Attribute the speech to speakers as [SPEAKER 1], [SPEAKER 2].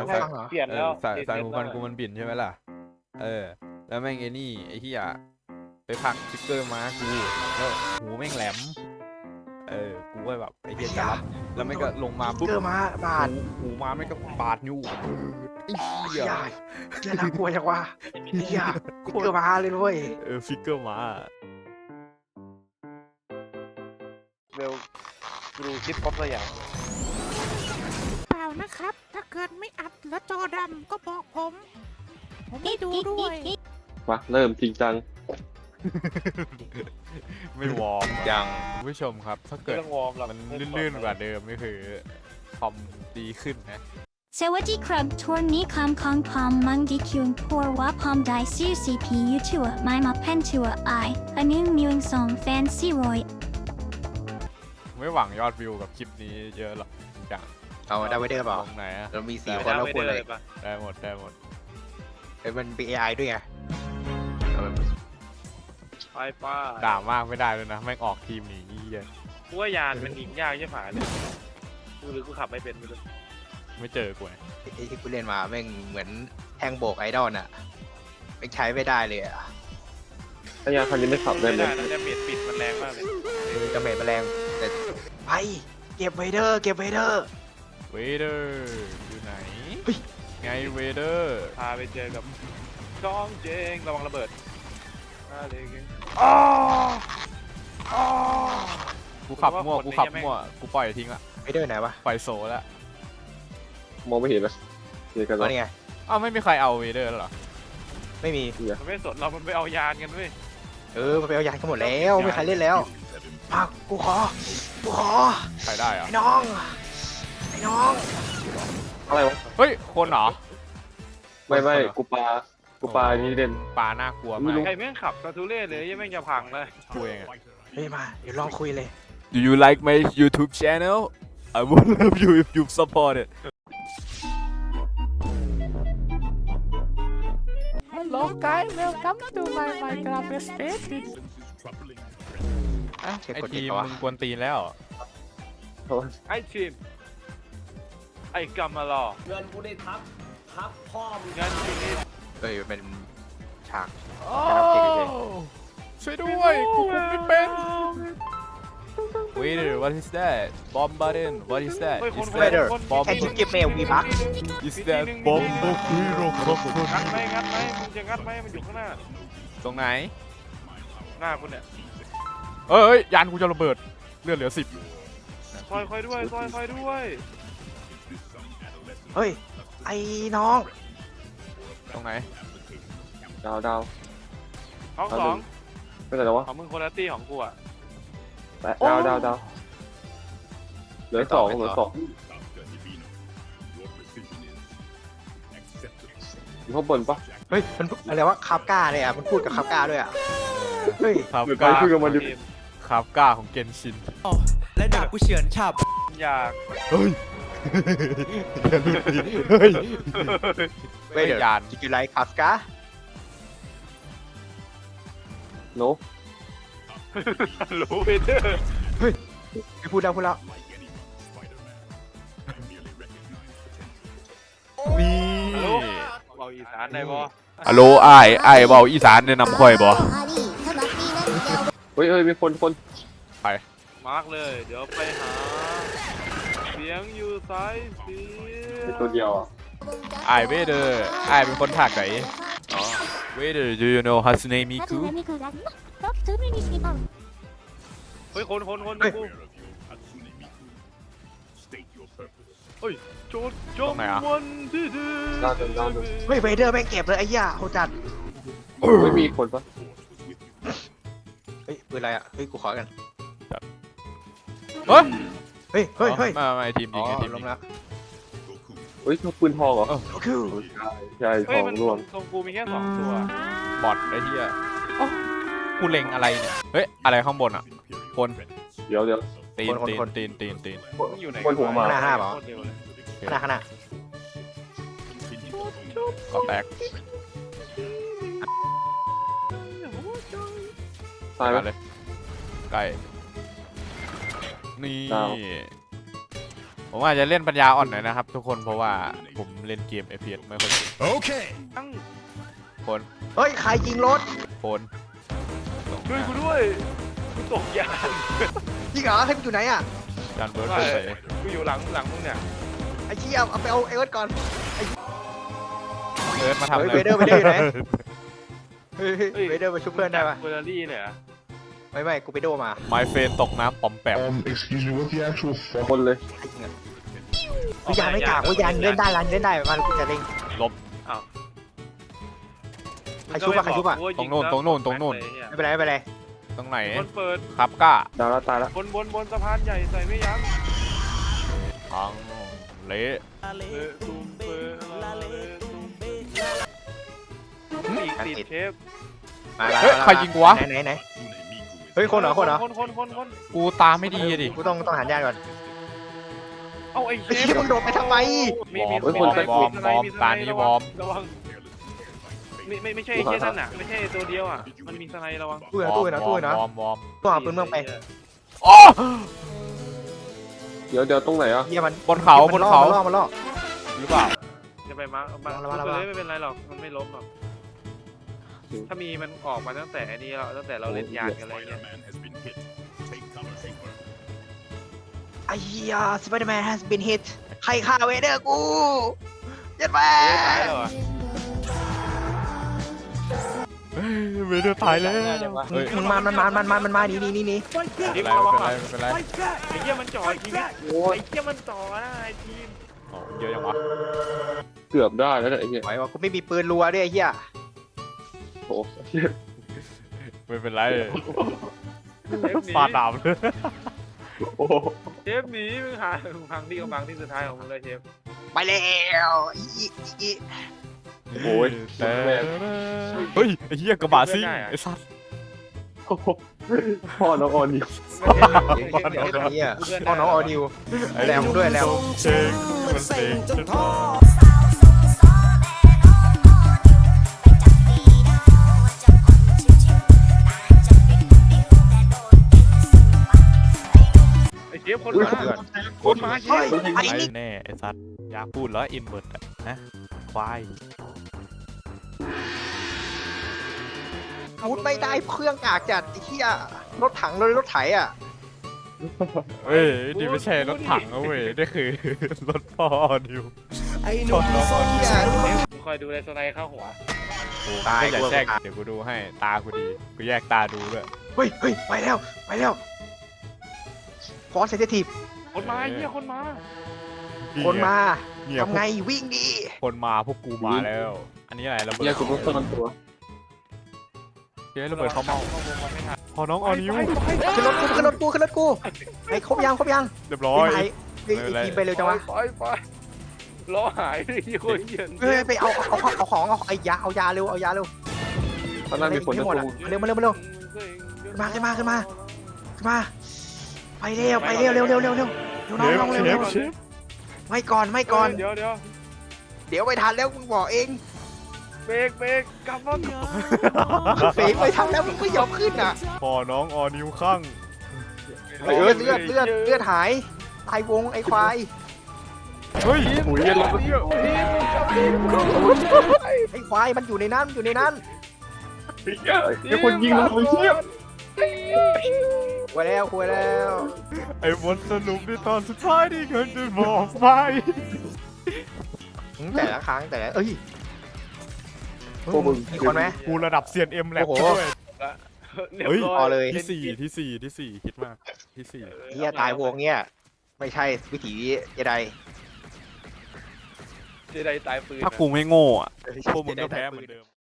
[SPEAKER 1] เปลี่ยนแล้ว
[SPEAKER 2] สายหูฟังกูมันบินใช่ไหมล่ะแล้วแม่งไอ้นี่ไอ้ที่ไปพักสติ๊กเกอร์มากูแล้วหูแม่งแหลมกูก็แบบไอ้เหี้ยจะรับแล้วแม่งก็ลงมาปุ๊บ
[SPEAKER 3] เกอร์มาบาด
[SPEAKER 2] หูมาแม่งก็บาดนิ้วไอ้เหี้ย
[SPEAKER 3] จะน่ากลัวจังวะเหี้ยเกอร์มาเลยด้วย
[SPEAKER 2] ฟิกเกอร์มา
[SPEAKER 1] เวลดูคลิปครบตัวอย่าง
[SPEAKER 4] เปล่านะครับ ถ้าเกิดไม่อัดแล้วจอดำก็บอกผมไม่ดูด้วย
[SPEAKER 5] มาเริ่มจริงจัง
[SPEAKER 2] ไม่วอร์ม
[SPEAKER 3] ยัง
[SPEAKER 2] คุณผู้ชมครับถ้าเกิด
[SPEAKER 1] เรื่องวอร์มเรา
[SPEAKER 2] มันลื่นๆกว่าเดิมนี่คือคอมดีขึ้นนะ
[SPEAKER 6] สวัสดีครับทัวร์นี้คำของผมมังดีคิวทัวร์ว่าผมได้ซื้อ CPU ทัวร์ไม่มาเป็นทัวร์อันนี้มีวงสองแฟน400
[SPEAKER 2] ไม่หวังยอดวิวกับคลิปนี้เยอะหรอกอย่าง
[SPEAKER 3] เอาได้ไว้เด้อเปล่า
[SPEAKER 2] ตรงไหนอะ
[SPEAKER 3] เรามี4คนแล้วคนเลย
[SPEAKER 2] ได้หมด
[SPEAKER 3] มันเป็น AI ด้วยไง
[SPEAKER 1] ไปป้า
[SPEAKER 2] ด่ามากไม่ได้เลยนะแม่งออกทีมหนีเหี้ย
[SPEAKER 1] กูว่ายานมันยิงยากใช่ไหมเลยกูหรือกูขับไม่เป็นไม่รู้
[SPEAKER 2] ไม่เจอกูไง
[SPEAKER 3] ไอ้ที่กูเล่นมาแม่งเหมือนแทงโบกไอดอลน่ะแม่งใช้ไม่ได้เลยอ่ะ
[SPEAKER 5] ถ้ายาคันนี้ไม่ขับได้
[SPEAKER 1] ไม่
[SPEAKER 5] ไหม
[SPEAKER 1] ได้นะจะเบียดปิดมันแรงมากเลย
[SPEAKER 3] กระเม็ดแมลงแต่ไปเก็บไวเดอร์เก็บไวเดอร์
[SPEAKER 2] เวเดอร์อยู่ไหนไงเวเดอร์
[SPEAKER 1] พาไปเจอกับจ้องเจงระวังระเบิดอะไรกัน
[SPEAKER 2] กูขับมั่วกูปล่อยทิ้งละ
[SPEAKER 3] ไวเดอร์ไหนวะ
[SPEAKER 2] ปล่อยโซแล้ว
[SPEAKER 5] มองไม่เห็นเลยเดี๋ยวกัน
[SPEAKER 3] อ๋อ
[SPEAKER 5] แล้ว
[SPEAKER 3] นี่ไง
[SPEAKER 2] อ้าวไม่มีใครเอาเวเดอร์แล้วเหรอ
[SPEAKER 3] ไม่มี
[SPEAKER 1] มันไม่สนเรามันไปเอายานกันด้วย
[SPEAKER 3] มันไปเอายานกันหมดแล้วไม่มีใครเล่นแล้วพักกูขอ
[SPEAKER 2] ใครได้อะ
[SPEAKER 3] ไอ้น้อง
[SPEAKER 5] อะไรวะ
[SPEAKER 2] เฮ้ยคนเหรอ
[SPEAKER 5] ไม่กูปลานี่เด่น
[SPEAKER 2] ปลาน่ากลัว
[SPEAKER 5] ไม่
[SPEAKER 2] มาก
[SPEAKER 5] รู้
[SPEAKER 1] ใครแม่งขับกระทุเล่เลยยังแม่งจะพังเลย
[SPEAKER 2] กูเองอะ
[SPEAKER 3] เฮ้ยมาเดี๋ยวลองคุยเลย
[SPEAKER 2] Do you like my YouTube channel? I would love you if you support it. Hello guys, welcome to my Minecraft Space. ไอทีมมึงกวนตีนแล้ว
[SPEAKER 1] ไอ้ทีมไอ้กำมารอ
[SPEAKER 7] เงินกูได้ทับพ่อมึง
[SPEAKER 1] เงินอยู่นี่
[SPEAKER 3] เป็นฉาก
[SPEAKER 2] โอ้ช่วยด้วยกูคุมไม่เป็น Waiter, what is that? Bomb button, what is that?
[SPEAKER 1] เฮ้ยคน
[SPEAKER 2] Is
[SPEAKER 1] คน
[SPEAKER 2] that
[SPEAKER 1] คน
[SPEAKER 2] bomb?
[SPEAKER 3] แค่ชิปเก็บเมลวีพัก
[SPEAKER 2] Is that bomb?
[SPEAKER 1] งัดไหมมึงจะงัดไหมมันอยู่ข้างหน้า
[SPEAKER 2] ตรงไหน
[SPEAKER 1] หน้าคุณเนี่ย
[SPEAKER 2] เอ้ยยานกูจะระเบิดเลือดเหลือ10
[SPEAKER 1] ซอยคอยด้วย
[SPEAKER 3] เฮ้ยไอ้น้อง
[SPEAKER 2] ตรงไหน
[SPEAKER 5] ดาว
[SPEAKER 1] ห้องสอง
[SPEAKER 5] ไม่ใช่แล้ววะ
[SPEAKER 1] ของมึงคนละตี้ของกูอ่ะ
[SPEAKER 5] ดาวเหลือสองอยู่ข้างบนปะ
[SPEAKER 3] เฮ้ยมันอะไรวะคาบก้าเลยอ่ะมันพูดกับคาบก้าด้วยอ่ะเฮ้ย
[SPEAKER 2] ครับ
[SPEAKER 5] เหมือน
[SPEAKER 2] กล้า
[SPEAKER 5] ไปคุยกับมันดิ
[SPEAKER 2] ครับกล้าของเกนชิน
[SPEAKER 7] และดาบกูเฉือนฉับ
[SPEAKER 1] อยาก
[SPEAKER 2] เฮ้ยเฮ้ย
[SPEAKER 3] เฮ้ยเดี๋ยวย
[SPEAKER 2] าน
[SPEAKER 3] จิกิไลคาบก้า
[SPEAKER 5] โน
[SPEAKER 1] รู้ไปเถอะ
[SPEAKER 3] ไม่พูดแล้ว
[SPEAKER 2] นี่
[SPEAKER 1] เบาอีสานได้บ่
[SPEAKER 2] ฮัลโหลไอ้เบาอีสานแนะนำค่อยบ่
[SPEAKER 5] เฮ้ยมีคน
[SPEAKER 1] มาร์กเลย เดี๋ยวไปหา เสียงอยู่ซ้ายเสีย
[SPEAKER 5] เป็นตัวเดียวอ่ะ
[SPEAKER 2] ไอ้เวเดอร์ไอ้เป็นคนถักไหนเวเดอร์ do you know Hatsune Miku
[SPEAKER 1] เฮ้ยคนกูเฮ้ยโจดจมวันที่ดี
[SPEAKER 5] ดาว
[SPEAKER 3] เฮ้ยเวเดอร์แม่งเก็บเลยไอ้ย่าโหจัด
[SPEAKER 5] ไม่มีคนปะ
[SPEAKER 3] เฮ้ยปืนอะไรอ่ะเฮ้ยกูขอกัน
[SPEAKER 2] เฮ้ย
[SPEAKER 3] เฮ้ย
[SPEAKER 2] มาทีม
[SPEAKER 3] อ๋
[SPEAKER 2] ยิ
[SPEAKER 3] อง
[SPEAKER 2] ไงทีม
[SPEAKER 3] ล
[SPEAKER 2] ยิ
[SPEAKER 3] ง
[SPEAKER 2] ง
[SPEAKER 3] แล้ว
[SPEAKER 5] เฮ้ยปืนทองเหรอ
[SPEAKER 3] คือ
[SPEAKER 5] ใช่ท
[SPEAKER 1] เฮ้ย
[SPEAKER 5] อง
[SPEAKER 1] มัน
[SPEAKER 5] ร่วง
[SPEAKER 1] ทรงกูมีแค่2 ตัว
[SPEAKER 2] บอทไอ้เหี้ยกูเล็งอะไรเนี่ยเฮ้ยอะไรข้างบนอ่ะคน
[SPEAKER 5] เดี๋ยว
[SPEAKER 2] ตีน
[SPEAKER 1] มึงอยู่ไหน
[SPEAKER 5] คนหัวหมา
[SPEAKER 3] หน้าเปล่า
[SPEAKER 1] โคตรเร็วเลย
[SPEAKER 3] ขนาด
[SPEAKER 2] ก็แตก
[SPEAKER 5] ตายไหม
[SPEAKER 2] เลยใกล้นี่
[SPEAKER 5] ดาว
[SPEAKER 2] โอผมอาจจะเล่นปัญญาอ่อนหน่อยนะครับ ทุกคนเพราะว่าผมเล่นเกม FPS ไม่ค่อยเก่ง
[SPEAKER 1] ตั้ง
[SPEAKER 2] คน
[SPEAKER 3] เฮ้ยใครยิงรถ
[SPEAKER 2] คน
[SPEAKER 1] ช่วยกูด้วยกูตกยาน
[SPEAKER 3] ยิงเหรอให้กูอยู่ไหนอ่ะ
[SPEAKER 2] จานเบิร์ดเปิดเผย
[SPEAKER 1] กูอยู่หลังมึงเนี่ย
[SPEAKER 3] ไอ้เชี่ยเอาไปเอาเอิร์ธก่อน
[SPEAKER 2] เอิร์ธมาทำอะไร
[SPEAKER 3] เวเดอร์อยู่ไหนเฮ้ยเวเดอร์มาช่วยเพื่อนได้ปะ
[SPEAKER 1] เฟอร์รารี่เนี่ยเหรอ
[SPEAKER 3] ไม่กูไปโดมา
[SPEAKER 2] ไมเฟนตกน้ำปอมแปม
[SPEAKER 8] Excuse me, what's the actual fuck?
[SPEAKER 5] คนเลย
[SPEAKER 3] วิญญาณไม่กากวิญญาณเล่นได้ร้านเล่นได้มันกูจะเล่น ใครชุบอะใครชุบอะ
[SPEAKER 2] ตรงโน่นตรงโน่นตรงโน่น
[SPEAKER 3] ไม่เป็นไรไม่เป็นไร
[SPEAKER 2] ตรงไหน
[SPEAKER 1] คนเปิด
[SPEAKER 2] ครับก้า
[SPEAKER 5] ดาวแล้วตายแล้ว
[SPEAKER 1] บนสะพานใหญ่ใส่ไม่ยั้ง
[SPEAKER 2] พังเละ
[SPEAKER 1] ตุ้มเปิดติดเชฟ
[SPEAKER 3] มา
[SPEAKER 2] เฮ้ยใครยิงกูวะ
[SPEAKER 3] ไหนเฮ้ยคนเหรอคน
[SPEAKER 2] กูตาไม่ดีอะดิ
[SPEAKER 3] กูต้องหันญาติก่อน
[SPEAKER 1] เอาไอ้เช
[SPEAKER 3] ไอ้
[SPEAKER 1] ฟ
[SPEAKER 3] เชี่ยมึงโดดไปทำไม
[SPEAKER 2] วอร์มตานี้วอร์ม
[SPEAKER 1] ระวังไม่ใช่ไอ้เชี่ยนั่นน่ะไม่ใช่ตัวเดียวอ่ะมันมีสไนระวัง
[SPEAKER 3] ตู้นะ
[SPEAKER 2] วอร์ม
[SPEAKER 3] ตัวเอาปืนเมืองไป
[SPEAKER 2] โอ้
[SPEAKER 5] เดี๋ยวตรงไหนอ่ะ
[SPEAKER 3] เยี่ยมัน
[SPEAKER 2] บนเขาบนเขา
[SPEAKER 3] มันล่อ
[SPEAKER 2] หรือเปล่า
[SPEAKER 1] จะไปมาร์คไม่เป็นไรหรอกมันไม่ล้มหรอกถ้ามีมันออกมาตั้งแต่นี้เราตั้งแต่เราเล่นยานกันอะไรเงี้ย
[SPEAKER 3] ไอ้เหี้ยสไปเดอร์แมน has been hit ใครฆ่าเวเดอร์กูยัดแม่
[SPEAKER 1] ตายแล้วเหรอ
[SPEAKER 2] เวเดอร์ตายแล้วเฮ้ย
[SPEAKER 3] มันมาหนี
[SPEAKER 1] ทีม
[SPEAKER 2] ไม่
[SPEAKER 1] ระวัง
[SPEAKER 2] เป็นไร
[SPEAKER 1] อ่ะ
[SPEAKER 2] ไม่เป็นไร
[SPEAKER 1] ไอ้เหี้ยมันจ่อชีวิตไอ้เหี้ยมันจ่อนะไอ้ทีม
[SPEAKER 2] โอ้เยอะจังวะ
[SPEAKER 5] เกือบได้แล้วเนี่ยไอ้เหี้ย
[SPEAKER 3] ไหวว่ากูไม่มีปืนรัวด้วยไอ้เหี้ย
[SPEAKER 5] โอ้โหเหี้ย
[SPEAKER 2] ไม่เป็นไร
[SPEAKER 1] เชฟหนี
[SPEAKER 2] ฟาดดาบเลย
[SPEAKER 5] โอ้โห
[SPEAKER 1] เชฟหนีมึงหาพังที่กำบังที่สุดท้ายของมึงเลยเชฟ
[SPEAKER 3] ไปแล้วอี
[SPEAKER 5] โอ้ย
[SPEAKER 2] แต่เฮ้ยไอ้เหี้ยกระบะซิ่งไอ้สัส
[SPEAKER 5] โอ้โหพ่อน้องออนนี่
[SPEAKER 3] เหี้ยพ่อน้องออดิวแรมด้วยแรม
[SPEAKER 2] เชงมันเชงจนท้อ
[SPEAKER 1] ไอ้เชฟคนมาเชฟ
[SPEAKER 2] ไอ้แน่ไอ้สัสอยากพูดแล้วอินเวิร์ดอะนะควาย
[SPEAKER 3] พูดไม่ได้เครื่องกากจัดไอ้เหี้ยรถถังเลยรถไถอ่ะ
[SPEAKER 2] เฮ้ยนี่ไม่ใช่รถถังนะเว้ยนี่คือรถพ่อดิว
[SPEAKER 3] ไอ้หนุ่มเหี้ย
[SPEAKER 1] มึงคอยดูในสไนเข้าหัว
[SPEAKER 3] ตาย
[SPEAKER 2] ไม่อยากแช่งเดี๋ยวกูดูให้ตากูดีกูแยกตาดูด้วย
[SPEAKER 3] เฮ้ยไปแล้วฟอสเซนซิทีฟ
[SPEAKER 1] คนมาไอ้เหี้ยคนมา
[SPEAKER 3] คนมา
[SPEAKER 2] เนี่ย
[SPEAKER 3] ทำไงวิ่งดิ
[SPEAKER 2] คนมาพวกกูมาแล้ว อันนี้อะไรระเบิด
[SPEAKER 5] เหี้ยกูต้องซ่อนตัว
[SPEAKER 2] เฮ้ยระเบิดเขาเมาพอน้องออนิว
[SPEAKER 3] ขึ้นรถกูไอ้ครบยัง
[SPEAKER 2] เรียบร้อย
[SPEAKER 3] ไอ้ทีมไปเร็วจังวะ
[SPEAKER 1] ไปล้อหายเลยคนเหี้ย
[SPEAKER 3] เฮ้ยไปเอาของเอาไอ้ยาเอายาเร็ว
[SPEAKER 5] ข้างหน้ามีคน
[SPEAKER 3] ไม่
[SPEAKER 5] จะ
[SPEAKER 3] หมด
[SPEAKER 5] ตู้
[SPEAKER 3] อ่ะเร็วขึ้นมาไปเร็วน้องเร็วไม่ก่อน
[SPEAKER 1] เดี๋ยว
[SPEAKER 3] เดี๋ยวไม่ทันแล้วมึงบอกเอง
[SPEAKER 1] เบรกกลับมา
[SPEAKER 3] เฟกไม่ทันแล้วมึงไม่ยอมขึ้นอ่ะ
[SPEAKER 2] พอน้องออนิวข้าง
[SPEAKER 3] เลือดหายตายวงไอ้ควาย
[SPEAKER 2] เฮ้ย
[SPEAKER 5] หุยเหี้ยรถ
[SPEAKER 3] ไอ้ควายมันอยู่ในนั้น
[SPEAKER 5] เดี๋ยวคนยิงเราเชี่ย
[SPEAKER 3] คุยแล้ว
[SPEAKER 2] ไอ้บทสรุปในตอนสุดท้ายที่เงินจะบอกไป
[SPEAKER 3] แต่ละครั้งเอ้ย
[SPEAKER 5] พวกมึง
[SPEAKER 3] มีคนไหม
[SPEAKER 2] กูระดับเซียนเอ็มแลบ
[SPEAKER 3] โอ้โห
[SPEAKER 2] ด้วย
[SPEAKER 1] เรียบ
[SPEAKER 2] เฮ้ย
[SPEAKER 1] ร้
[SPEAKER 3] พ
[SPEAKER 1] อ
[SPEAKER 3] อย เลย
[SPEAKER 2] ที่สี่คิดมากที่สี่
[SPEAKER 3] เฮียตายวงเนี้ยไม่ใช่วิถีเจได
[SPEAKER 1] เจไดตายปืน
[SPEAKER 2] ถ้ากูไม่โง่อะพวกมึงก็แพ้เหมือนเดิม